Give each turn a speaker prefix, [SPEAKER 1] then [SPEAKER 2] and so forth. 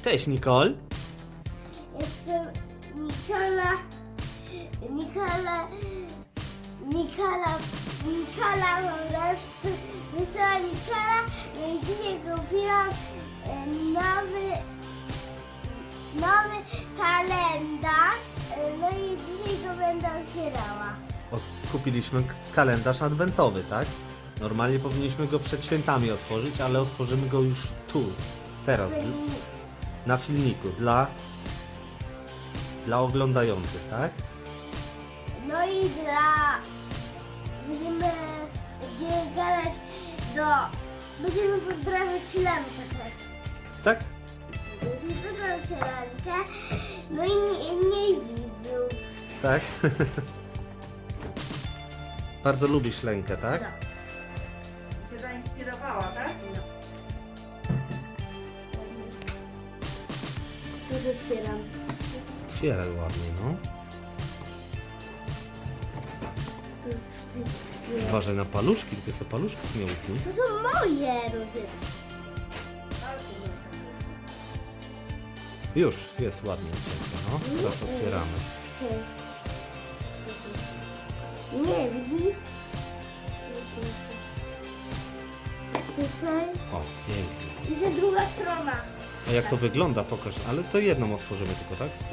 [SPEAKER 1] Cześć, Nicole.
[SPEAKER 2] Jestem Nikola. Po prostu wysłała Nikola. No i dzisiaj kupiłam nowy kalendarz. No i dzisiaj go będę otwierała.
[SPEAKER 1] Kupiliśmy kalendarz adwentowy, tak? Normalnie powinniśmy go przed świętami otworzyć, ale otworzymy go już tu, teraz, na filmiku, dla oglądających, tak?
[SPEAKER 2] No i będziemy gadać będziemy pozdrawiać Lankę teraz.
[SPEAKER 1] Tak?
[SPEAKER 2] Będziemy pozdrawiać Lankę, no i mniej widzów.
[SPEAKER 1] Tak? Bardzo lubisz Lenkę, tak?
[SPEAKER 2] No.
[SPEAKER 3] Cię zainspirowała, tak?
[SPEAKER 2] Tu otwieram.
[SPEAKER 1] Otwieraj ładnie, no. Uważaj na paluszki, tylko sobie paluszków nie utnij.
[SPEAKER 2] To są moje rozy.
[SPEAKER 1] Już, jest ładnie cienko, no. Teraz otwieramy.
[SPEAKER 2] Nie, widzisz? Tutaj.
[SPEAKER 1] O, pięknie.
[SPEAKER 2] I za druga strona.
[SPEAKER 1] A jak to wygląda? Pokaż. Ale to jedną otworzymy tylko, tak?